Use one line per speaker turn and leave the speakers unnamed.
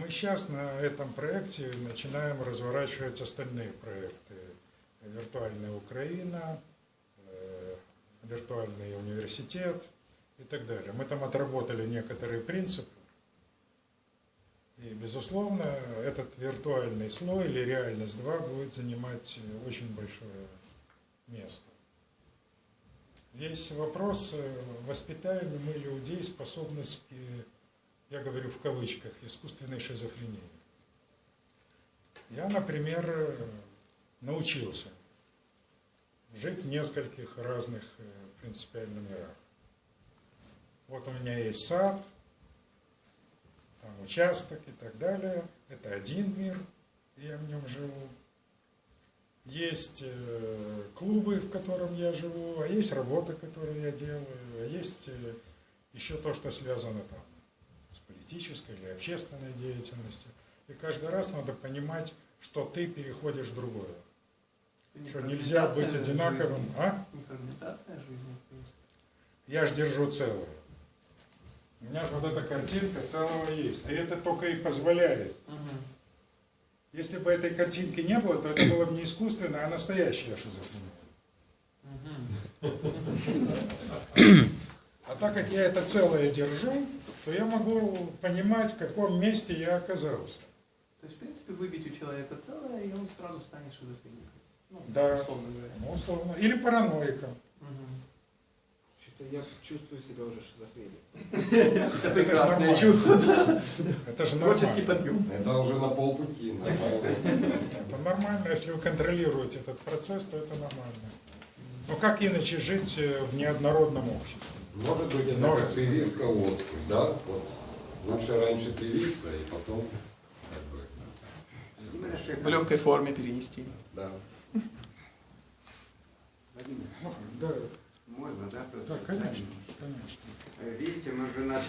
Мы сейчас на этом проекте начинаем разворачивать остальные проекты. Виртуальная Украина, виртуальный университет и так далее. Мы там отработали некоторые принципы. И, безусловно, этот виртуальный слой или реальность 2 будет занимать очень большое место. Есть вопрос, воспитаем ли мы людей способности, я говорю в кавычках, искусственной шизофрении. Я, например, научился жить в нескольких разных принципиально мирах. Вот у меня есть сад, там участок и так далее. Это один мир, и я в нем живу. Есть клубы, в котором я живу, а есть работа, которую я делаю, а есть еще то, что связано там с политической или общественной деятельностью. И каждый раз надо понимать, что ты переходишь в другое. Что нельзя быть одинаковым. А?
Не фрагментация жизни.
Я ж держу целое. У меня же вот эта картинка целого есть. И это только и позволяет. Если бы этой картинки не было, то это было бы не искусственная, а настоящая шизофрения. А так как я это целое держу, то я могу понимать, в каком месте я оказался.
То есть, в принципе, выбить у человека целое, и он сразу станет шизофреником. Ну,
Да,
условно говоря.
ну, условно. Или параноиком.
Что-то я чувствую себя уже шизофреником.
Это прекрасное чувство.
Это же
Творческий
нормально.
подъем.
Это уже на полпути.
Это нормально. Если вы контролируете этот процесс, то это нормально. Но как иначе жить в неоднородном обществе?
Может быть, это как прививка оспы, да? Вот. Лучше раньше привиться, и потом как бы...
В легкой форме перенести.
Да.
Владимир,
Да,
можно, да?
да, конечно, конечно.
Видите, мы же